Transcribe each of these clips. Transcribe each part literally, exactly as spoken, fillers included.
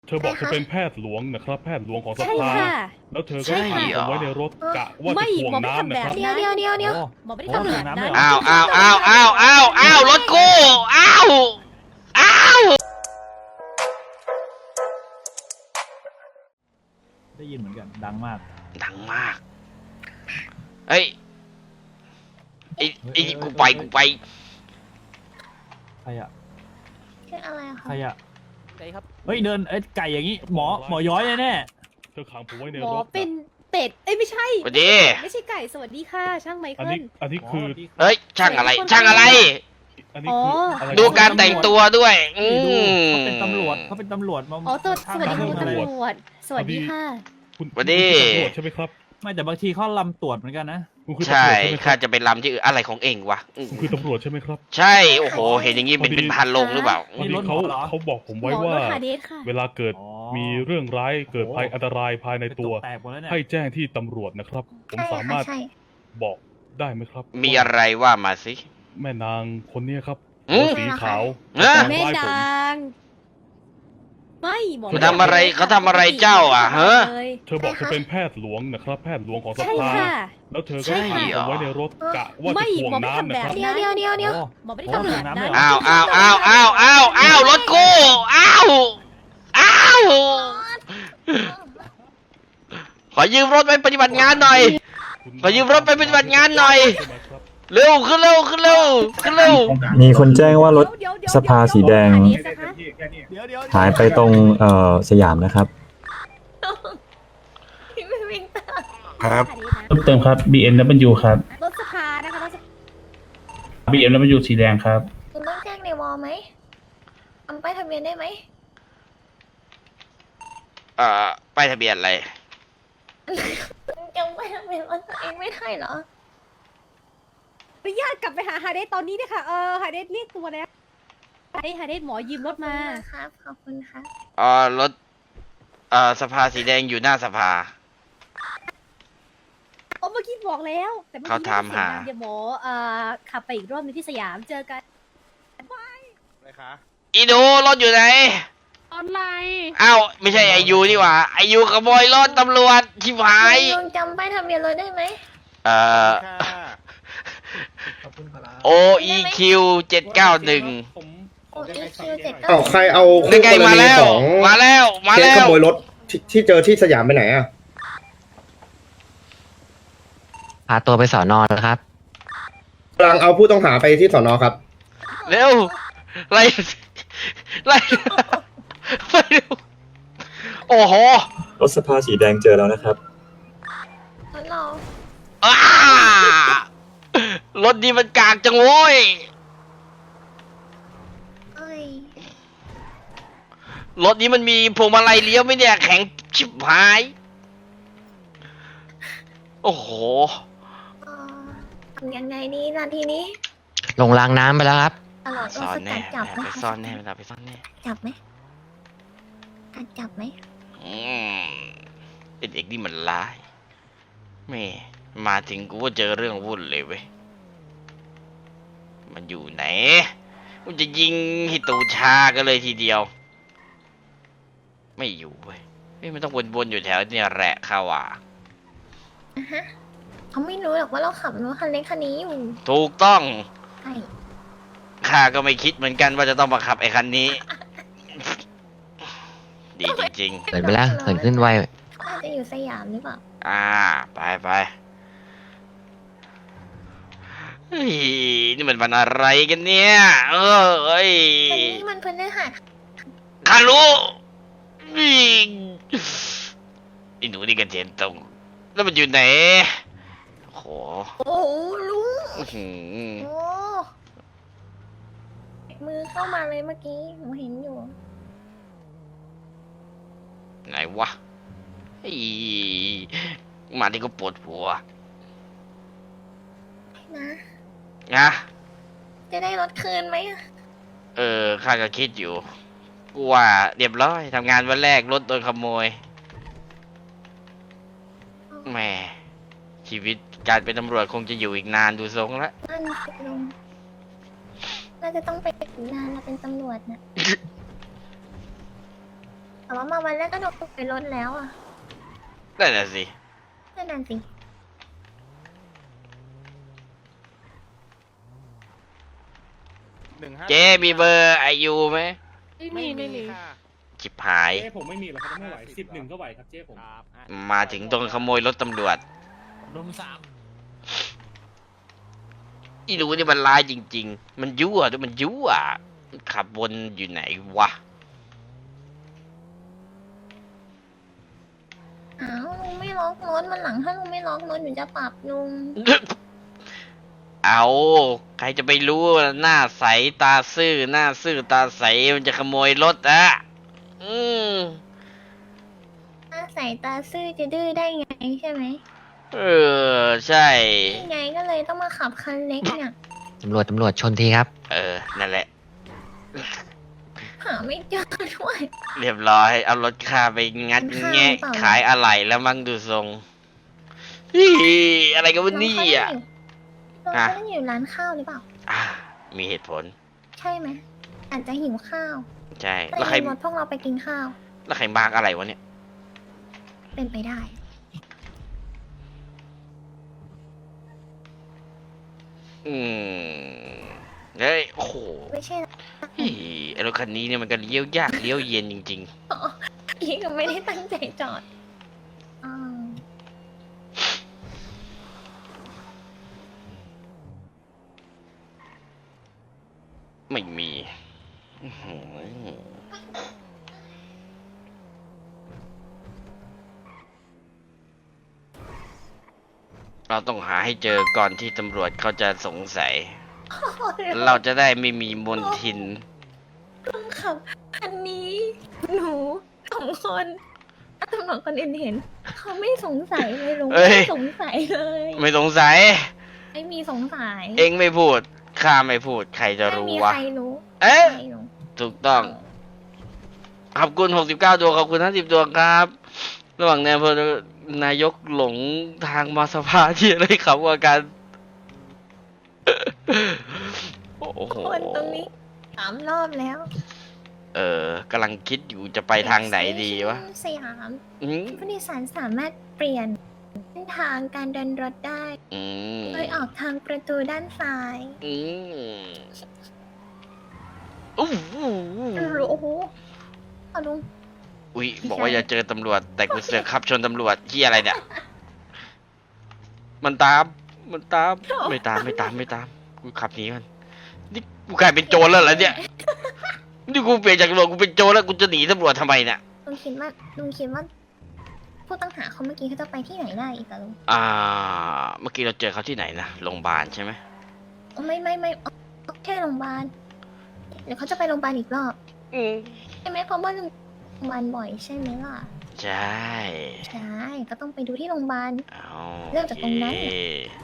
เธอบอกเธอเป็นแพทย์หลวงนะครับแพทย์หลวงของสใช่ภาค่ะแล้วเธอก็ใช่ขังค่ะผมไว้ในรถกะว่าไม่จะถ่วงหมอไม่น้ำทำนะแบบครับนี้เดี๋ยวเดี๋ยวเดี๋ยวเดี๋ยวหมอไม่ได้ทำแบบนั้นอ้าอ้าวอ้าวอ้าวอ้าวอ้าวอ้าวรถกูอ้าวอ้าวได้ยินเหมือนกันดังมากดังมากเฮ้ยไอ้ไอ้กูไปกูไปใครอะคืออะไรอะใคคะรอะไก่ครับเฮ้ยเดินเอ้ยไก่อย่างงี้หมอหมอย้อยแน่เธอขังผมไว้ในหมอรถเป็นนะเป็ด เอ้ยไม่ใช่สวัสดีไม่ใช่ไก่ สวัสดีค่ะ ช่างไมอันเคินี้ลอันนี้ๆคือเฮ้ยช่างอะไรช่างอะไรอันนี้คืออะไรดูการแต่งตัวด้วยอืนี่ดูมเขาเป็นตำรวจเขาเป็นตำรวจมาอ๋อตัวสข้างวัสดีทางคุณทำอะไรตำรวจ สวัสดีค่ะคุณสวัสดีคุณคือตำรวจใช่ไหมครับไม่แต่บางทีเขาลำตรวจเหมือนกันนะคุณคือตำรใช่วจใช่ไหมคข้ารับจะไปลำที่อื่นอะไรของเองวะอืมคุณคือตำรวจใช่ไหมครับใช่โอ้โหเห็นอย่างงี้เป็นเป็นพันลงหรือเปล่าพอดีเขาเขาบอกผมหมไว้อว่ารถฮาเดสค่ะเวลาเกิดอ๋อมีเรื่องร้ายเกิดภัยอันตรายภายในตัวแตกหมดแล้วเนี่ยให้แจ้งที่ตำรวจนะครับ ผมใช่สาค่ะมารถใช่บอกได้ไหมครับมีอะไรว่ามาสิแม่นางคนเนี้ยครับอืมหัวสีขาวเอ๊ะทำแม่ร้ายผมนาง ไม่หมอเขาทำอะไรเขาทำอะไรเจ้าอ่ะฮะเลยเธอบอกเธอเป็นแพทย์หลวงนะครับ แพทย์หลวงของสใช่ภาค่ะแล้วเธอก็ใช่ขังเหรผอมไว้ในรถกะว่าไม่จะถ่วงหมอไม่น้ำทำนะแบบครับเดี๋ยวเดี๋ยวเดี๋ยวเดี๋ยวโอ้หมอไม่ได้ทำแบบนั้นโอ้อ้าวอ้าวอ้าวอ้าวอ้าวอ้าวรถกูอ้าวอ้าวขอยืมรถไปปฏิบัติงานหน่อยคุณขอยืมรถไปปฏิบัติงานหน่อยใช่ไหมครับเร็วขึ้นเร็วขึ้นเร็วขึ้นเร็วมีคนแจ้งว่ารถเดี๋ยวเดี๋ยวสภาสีแดงฮาเสนะคะเดี๋ยวเดี๋ยวหายไปตรงเอ่อสยามนะครับพี่ไม่วิ่งตามครับฮาเดสนะเพิ่มเติมครับ บี เอ็ม ดับเบิลยู ครับรถสภานะคะรถสภาบี เอ็ม ดับเบิลยู สีแดงครับคุณต้องแจ้งในวอลไหมทำป้ายทะเบียนได้ไหมเอ่อป้ายทะเบียนอะไรจำป้ายทะเบียนรถตัวเองไม่ได้เหรออนุญาตกลับไปหาฮาเดสตอนนี้นะคะเออฮาเดสเรียกตัวแล้วฮาเดสฮาเดสหมอยืมรถมาครับ ขอบคุณครับเอ่อรถเอ่อสภาสีแดงอยู่หน้าสภาโอ้เมื่อกี้บอกแล้ว แต่เมื่อเขากี้ถามหาเดี๋ยวหมอเอ่อขับไปอีกรอบนึงที่สยามเจอกันอีดูรถอยู่ไหนออนไลน์อ้าวไม่ใช่ไอยูนี่หว่าไอยูขโมยรถตำรวจชิบหายลองจำป้ายทะเบียนรถได้ไหมเอ่อ โอ อี คิว เจ็ดเก้าหนึ่งโอ้อีคิวเจ็ดอ้าวใครเอานี่คู่ไงกรมาณีแล้วของมาแล้วมาเคสแล้ขวโมยรถที่ที่เจอที่สยามไปไหนอ่ะพาตัวไปสอนอนนะครับกำลังเอาผู้ต้องหาไปที่สอนอครับเร็วไล่ไล่ไปเร็วโอ้โหรถสภาสีแดงเจอแล้วนะครับรถเราอ้ารถดีมันกากจังโว้ยเอ้ยรถนี้มันมีพวงมาลัยเลี้ยวไหมเนี่ยแข็งชิบหายโอ้โหเอ่อทำยังไงดีล่ะทีนี้ลงรางน้ำไปแล้วครับตลอดซ่เราอนสแน่กัดจับไหมไปซ่อนแน่เวลาไปซ่อนแน่จับไหมกัดจับไหมอืมไอ้เด็กนี่มันร้ายแม่มาถึงกูก็เจอเรื่องวุ่นเลยเว้ยมันอยู่ไหนกูจะยิงให้ตูชากันเลยทีเดียว ไม่อยู่เว้ยไม่มันต้องวนๆอยู่แถวเนี่ยแหละข้าว่าอ่ะฮะเขาไม่รู้หรอกว่าเราขับรถคันเล็กคันนี้อยู่ถูกต้องใช่ข้าก็ไม่คิดเหมือนกันว่าจะต้องมาขับไอ้คันนี้ ดีจริงเหินไปแล้วเหินขึ้นไวเขาอาจจะอยู่สยามหรือเปล่าๆ อ่า ไปไปเฮ้ยนี่มันวันอะไรกันเนี่ย เออเอ้ยวันนี้มันพฤหัสข้ารู้นี่ไอ้หนูนี่กันเจนตรง แล้วมันอยู่ไหนโหโอ้โหลุงอื้อหือโอ้มือเข้ามาเลยเมื่อกี้หนูเห็นอยู่ไหนวะไอ้มาที่ก็ปวดหัวนะนะจะได้รถคืนไหมอะเออข้าก็คิดอยู่กูว่าเรียบร้อยทำงานวันแรกรถโดนขโมยแหมชีวิตการเป็นตำรวจคงจะอยู่อีกนานดูทรงแล้วนั่นสิลุงน่าจะต้องไปถึงนานเราเป็นตำรวจนะเอแต่ว่ามาวันแรกก็โดนไปรถแล้วอ่ะนั่นน่ะสินั่นน่ะสิเจ๊มีเบอร์ไอยูไหมไม่มีไม่มีจิบหายเจ๊ผมไม่มีหรอกครับไม่ไหวสิบหนึ่งก็ไหวครับเจ๊ผมมาถึงตรงขโมยรถตำรวจรุมสามอีรู้นี่มันร้ายจริง ๆ มันยั่วด้วยมันยั่วขับวนอยู่ไหนวะอ้าวลุงไม่ล็อกรถมันหลังถ้าลุงไม่ล็อกรถหนูจะปรับลุงเอาใครจะไปรู้ว่าหน้าใสตาซื่อหน้าซื่อตาใสมันจะขโมยรถอะอืมถ้าใส่ตาซื่อจะดื้อได้ไงใช่ไหมเออใช่นี่ไงก็เลยต้องมาขับคันเล็กเนี่ยตำรวจตำรวจชนทีครับเออนั่นแหละหาไม่เจอด้วยเรียบร้อยเอารถข้าไปงัดเป็นข้าวแงะหรือเปล่าขายอะไรแล้วมั้งดูทรงอีอะไรกันวะเนี่อ่ะน้องเขาต้องอยู่ร้านข้าวหรือเปล่าอ่ะมีเหตุผลใช่ไหมอาจจะหิวข้าวใช่ก็แล้วเลใครยรถพวกเราไปกินข้าวแล้วใครมาร์กอะไรวะเนี่ยเป็นไปได้อืมเฮ้ยโอ้โหไม่ใช่เฮ้ยไอ้รถคันนี้เนี่ยมันก็เลี้ยวยากเลี้ยวเย็นจริงพี่ก็ไม่ได้ตั้งใจจอดอ้าวๆ ไม่มีอื้อหือเราต้องหาให้เจอก่อนที่ตำรวจเขาจะสงสัย เราจะได้ไม่มีมนทินต้องขับคันนี้ หนูสองคนถ้าตำรวจคนอื่นเห็น เขาไม่สงสัยเลยลุงเอ้ยไม่สงสัยเลยไม่สงสัยไม่มีสงสัยเองไม่พูด ข้าไม่พูด ใครจะไม่รู้มีวะใครรู้เอ๊ะใครรู้ถูกต้อง ขอบคุณหกสิบเก้าดวงขอบคุณห้าสิบดวงครับ ระหว่างนายอำเภอนายกหลงทางมาสภาที่อะไรครับว่ากัน โอ้โหคนตรงนี้สามรอบแล้วเออกำลังคิดอยู่จะไปทางไหนดีวะสยามอืมผู้โดยสารสามารถเปลี่ยนเส้นทางการเดินรถได้อืมโดยออกทางประตูด้านซ้ายอืมอู้หูโอ้โหเอาลุงอุ้ยบอกว่าอย่าเจอตำรวจ แต่กูเสือกขับชนตำรวจที่อะไรเนี่ย มันตาม มันตาม ไม่ตามไม่ตามไม่ตาม กูขับหนีมันนี่กูกลายเป็นโจรแล้วเหรอเนี่ย นี่กูเปลี่ยนจากตำรวจกูเป็นโจรแล้วกูจะหนีตำรวจทำไมเนี่ยลุงคิดว่าลุงคิดว่าผู้ต้องหาเขาเมื่อกี้เขาจะไปที่ไหนได้อีกอะลุงอ่า เมื่อกี้เราเจอเขาที่ไหนนะ โรงพยาบาลใช่ไหมอ๋อไม่ไม่ไม่อ๋อแค่โรงพยาบาลเดี๋ยวเขาจะไปโรงพยาบาลอีกรอบอืมใช่ไหมเพราะว่าโรงพยาบาลบ่อยใช่ไหมล่ะใช่ใช่ ก็ต้องไปดูที่โรงพยาบาลเอาเริ่มจากตรงนั้นโอเค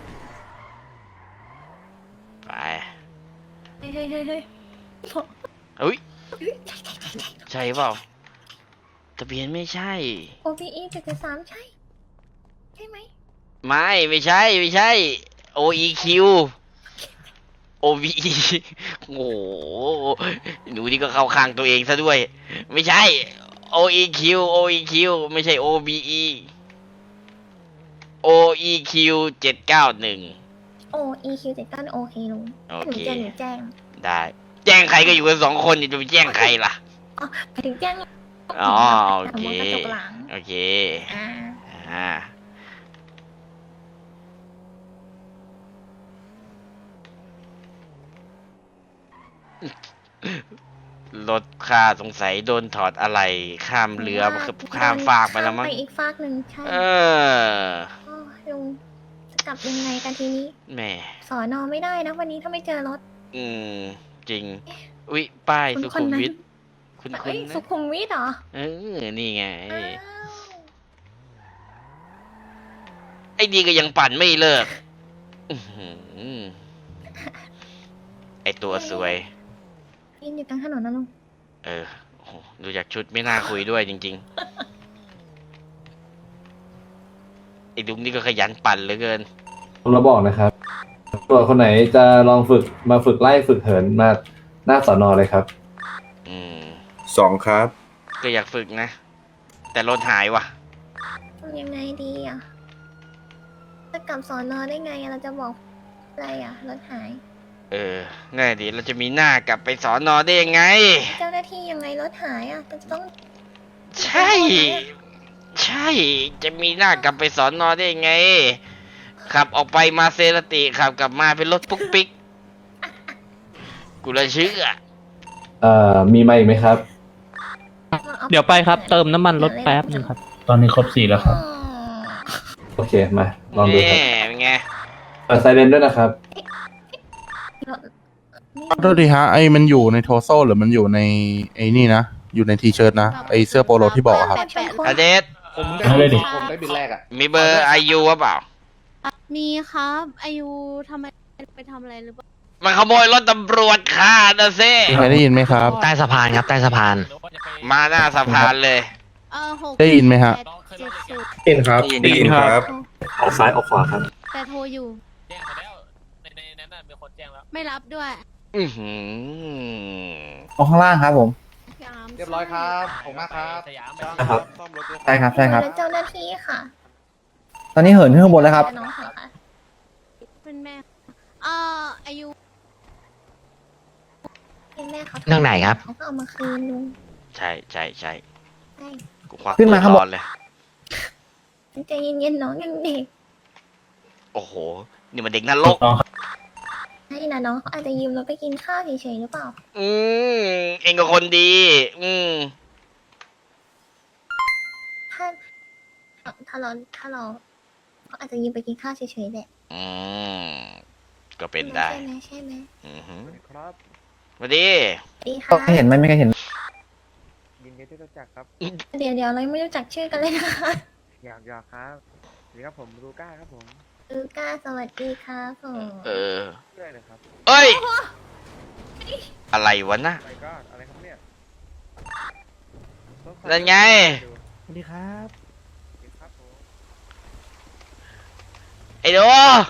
ไปเฮ้ยเฮ้ยเฮ้ยเฮ้ยอุ้ยใช่ใช่ใช่ใช่ใช่เปล่าทะเบียนไม่ใช่โอ พี อี เจ็ดเจ็ดสามใช่ ใช่ไหมไม่ไม่ใช่ไม่ใช่ โอ อี คิว โอ วี อี โอ้โหหนูนี่ก็เข้าข้างตัวเองซะด้วย ไม่ใช่ โอ อี คิว โอ อี คิว ไม่ใช่ โอ บี อี โอ อี คิว เจ็ดเก้าหนึ่งโอ อี คิว เจ็ดเก้าโอเคลุงโอหนูเคจะหนูแจ้งได้ แจ้งใครก็อยู่กันสองคนจะไปแจ้งใครล่ะอ๋อไปถึงแจ้งอ๋อโอเคกระจกหลังโอเคอ่าอ่า รถข้าสงสัยโดนถอดอะไรข้ามเรือมาคือข้ามฟากไปแล้วมั้งข้ามไปอีกฟากหนึ่งใช่เออโอ้ยลุงจะกลับยังไงกันทีนี้แหม่สอนอไม่ได้นะวันนี้ถ้าไม่เจอรถอืม จริง อุ๊ย ป้ายคนสุคขุนมนั้นวิทคุณคุเอ้ณยนะสุขุมวิทเหรอเออ นี่ไงอ้าวไอ้ดีก็ยังปั่นไม่เลิกอื้อหือไอตัวสวยยืนอยู่กลางถนนนะลุงเออโอ้โหดูจากชุดไม่น่าคุยด้วยจริงๆ ไอ้ดุมนี่ก็ขยันปั่นเหลือเกินผมเราบอกนะครับตำรวจคนไหนจะลองฝึกมาฝึกไล่ฝึกเหินมาหน้าสอนอเลยครับอืมสองครับก็อยากฝึกนะ แต่รถหายว่ะทำยังไงดีอ่ะจะกลับสอนอได้ไงอะเราจะบอกอะไรอ่ะรถหายเออง่ายดีเราจะมีหน้ากลับไปสอนอได้ยังไงเจ้าหน้าที่ยังไงรถหายอ่ะจะต้องใช่ ใช่ จะมีหน้ากลับไปสอนอได้ยังไง ขับออกไปมาเซรติขับกลับมาเป็นรถปุ๊กปิ๊ก กูละเชื่อเอ่อ มีมาอีกไหมครับอาเดี๋ยวไปครับเติมน้ำมันรถแป๊บนึงครับตอนนี้ครบสี่แล้วครับอ๋อโอเค มา ลองดูครับแง่เป็นไงเปิดไซเรนด้วยนะครับรถโทษทีฮะไอ้มันอยู่ในโทโซหรือมันอยู่ในไอ้นี่นะ อยู่ในทีเชิร์ตนะไอ้เสื้อโปโลที่บอกอะครับแปะๆอเดสผมเอาเลยดิผมได้บินแรกอ่ะมีเบอร์ไอยูหรือเปล่ามีครับอายุทำไมไปทำอะไรหรือเปล่ามันขโมยรถตำรวจค่ะนะเซ่มีใครได้ยินไหมครับใต้สะพานครับใต้สะพานมาหน้าสะพานเลยเออหกได้ยินไหมฮะแปเจ็ดศูนย์อินครับได้ยินครับออกซ้ายออกขวาครับแต่โทรอยู่แจ้งมาแล้ว ในในนั้นน่ะมีคนแจ้งแล้วไม่รับด้วยอือหือออกข้างล่างครับผมเรียบร้อยครับผมมากครับสยามครับ ใช่ครับใช่ครับแล้วเจ้าหน้าที่ค่ะตอนนี้เหินขึ้นข้างบนแล้วครับน้องค่ะเป็นแม่เอ่ออายุเป็นแม่เขาเรื่องไหนครับเขาก็เอามาคืนลุงใช่ใช่ใช่ใช่กูควักขึ้นมาข้างบนปืร้อเลยใจเย็นๆน้องยังเด็กโอ้โห นี่มันเด็กนรกใช่นะน้องเขาอาจจะยืมเราไปกินข้าวเฉยๆหรือเปล่าอืมเองก็คนดี อืมถ้าถ้าเราถ้าเราเขาอาจจะยืมไปกินข้าวเฉยๆแหละอืม ก็เป็นได้ใช่ไหมใช่ไหมอือหือครับสวัสดีดีค่ะเห็นไหมไม่เคยเห็นยินดีที่รู้จักครับเดี๋ยวเดี๋ยวเราไม่รู้จักชื่อกันเลยนะคะอยากอยากครับสวัสดีครับผมลูก้าครับผมลูก้าสวัสดีครับผมเออเพื่อนเลยครับเอ้ย อะไรวะนะอะไรก็อะไรครับเนี่ยนั่นไงสวัสดีครับครับผมไอ้ดู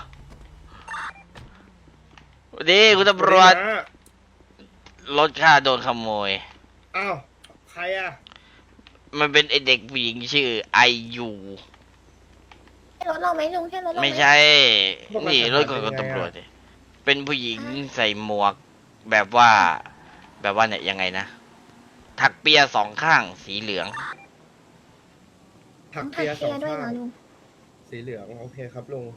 สวัสดีคุณตำรวจ รถข้าโดนขโมยอ้าว ใครอ่ะมันเป็นไอเด็กผู้หญิงชื่อไอยูใช่รถเราไหมลุงใช่รถเราหไม่ใช่ นี่รถของคุณตำรวจดิเป็นผู้หญิงใส่หมวก แบบว่า แบบว่าเนี่ยยังไงนะ ถักเปียสองข้างสีเหลืองถักต้องเปียถักสอเปียงด้วยข้างเหรอลุงสีเหลือง โอเคครับลุง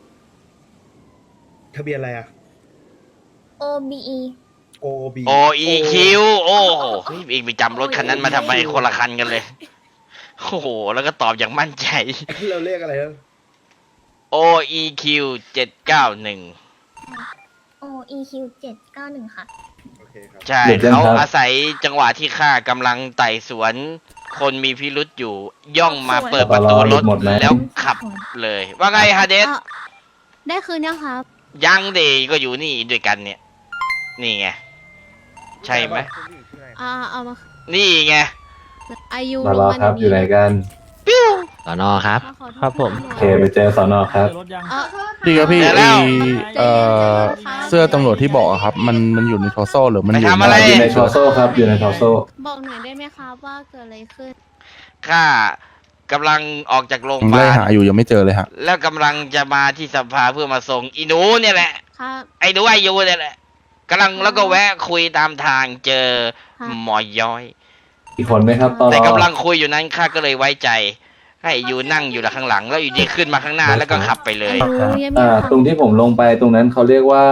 ทะเบียนอะไรอ่ะ O B E O B O E Q โอ้โหเฮ้ยอีกไปจำรถคันนั้นมาทำไมคนละคันกันเลย โอ้โห แล้วก็ตอบอย่างมั่นใจเราเรียกอะไรนะ O E Q เจ็ดเก้าหนึ่ง O E Q เจ็ดเก้าหนึ่งค่ะโอเคครับใช่เด็กยังเขาครับอาศัยจังหวะที่ข้ากำลังไต่สวน คนมีพิรุษอยู่ ย่องมาเปิดประตูรถหมดไหมแล้วขับเลย ว่าไงฮาเดสอ่ะได้คืนยังครับยังเดก็อยู่นี่ด้วยกันเนี่ย นี่ไง ใช่ไหมอ่าเอามานี่ไงอายุมารอครับ อยู่ไหนกันสอนอครับขอโทษครับผมโอเค ไปเจอสอนอครับเอ่อดีครับพี่เดี๋ยวแล้ไอ้วเอ่อเสื้อตำรวจที่บอกอะครับ มันมันอยู่ในโทโซหรือมันอยู่ไปทำอะไรอยู่ในทอโซ่ครับ อยู่ในทอโซ่บอกหน่อยได้ไหมครับว่าเกิดอะไรขึ้นข้ากำลังออกจากโรงพผมยาไล่บาลหาอยู่ยังไม่เจอเลยฮะแล้วกำลังจะมาที่สภาเพื่อมาส่งอีหนูเนี่ยแหละครับไอ้หนูอายุเนี่ยแหละกำลังแล้วก็แวะคุยตามทางเจอค่ะหมอย้อยอีกคนไหมครับตอนแต่รอกำลังคุยอยู่นั้นข้าก็เลยไว้ใจ ให้อยู่นั่งอยู่ข้างหลัง แล้วอยู่ดีขึ้นมาข้างหน้าแล้วก็ขับไปเลยอายุยังมีอ่าความตรงที่ผมลงไปตรงนั้นเขาเรียกว่า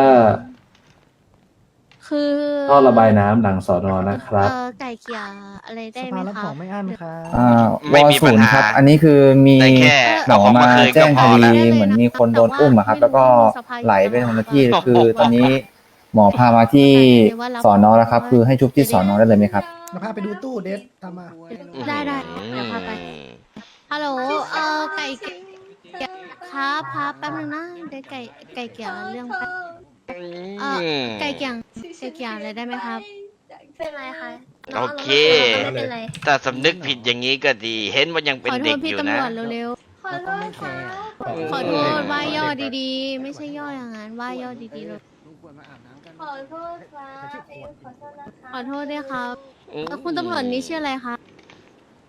คือท่อระบายน้ำหลังสอนอนะครับเออไก่เกลี่ยอะไรได้ไหมคะอ่าไม่วอมีศูปัญนย์หาครับ อันนี้คือมีแต่แค่หมเอาอของมามาคืนแจ้ก็งพคอดีแล้วเหมือนมีคนโดนอุ้มอะครับ แล้วก็ไหลไปทางที่ คือตอนนี้หมอพามาที่สอนอแล้วครับ คือให้ชุบที่สอนอได้เลยไหมครับพาไปดูตู้เดทตามมาได้ได้เดี๋ยวพาไป ฮัลโหล เออไก่เกลี่ยครับครับแป๊บนึงนะเดี๋ยวไก่ไก่เกลี่ยเรื่องแป๊บเออไก่เกลี่ยไก่เกลี่ยอะไรได้ไหมครับเป็นไรคะโอเคไม่เป็นไรถ้าสำนึกผิดอย่างนี้ก็ดี เห็นว่ายังขเป็นอโทเด็ษกพี่อยู่ตำนะรวจเร็วขอโทษค่ะๆ ขอโทษว่าย่อดีๆ ไม่ใช่ย่ออย่างนั้นว่าย่อดีๆเลยขอโทษครับขอโทษนะคะขอโทษด้วยครับแล้วคุณตำรวจนี่ชื่ออะไรคะ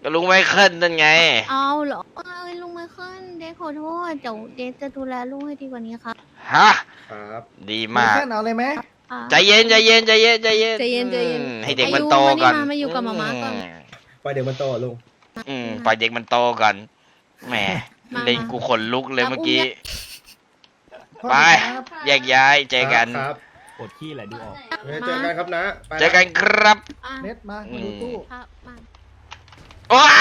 ก็ลุงไมเคิลนั่นไงเอาเหรอเอ้ยลุงไมเคิลเดทขอโทษเดี๋ยวเดทจะดูแลลูกให้ดีกว่านี้ครับฮะครับดีมากแค่เอาเลยไหมอ่ะใจเย็นใจเย็นใจเย็นใจเย็นใจเย็นใจเย็นอืมให้เด็กมันโตก่อนอายุมานี่มามาอยู่กับหมาม้าก่อนไปเดี๋ยวมันโตลุงอืมปล่อยเด็กมันโตก่อนแหมมาเล่นกูขนลุกเลยมาเมื่อกี้อุ้มไป แยกย้ายเจอกันครับปวดขี้แหละดูออกงั้นเจอกันครับนะไปละเจอกันครับอ่ะเน็ตมามาดูตู้ครับมาว้า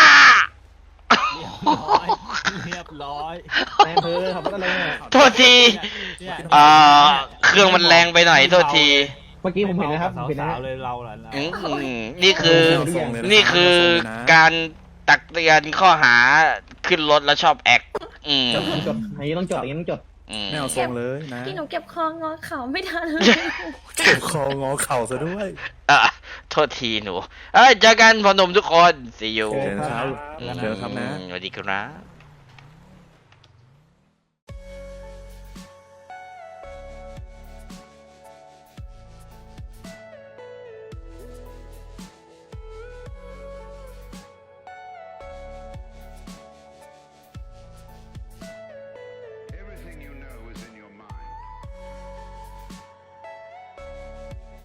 เรียบร้อยแม่เธอทำอะไรเนี่ยโทษทีเอ่อเครื่องมันแรงไปหน่อยโทษทีเมื่อกี้ผมเห็นนะครับผมเห็นนะสาวๆเลยเราล่ะอืมนี่คือ นี่คือการตักเตือนข้อหาขึ้นรถแล้วชอบแอคอืมจดอันนี้ต้องจดอันนี้ต้องจดอืมไม่เอาทรงเลยนะที่หนูเก็บคองอเข่าไม่ทันเลยเก็บคองอเข่าซะด้วยอ่ะโทษทีหนู เอ้ยเจอกันพอหนมทุกคน see you เจอกันครับอืมสวัสดีครับ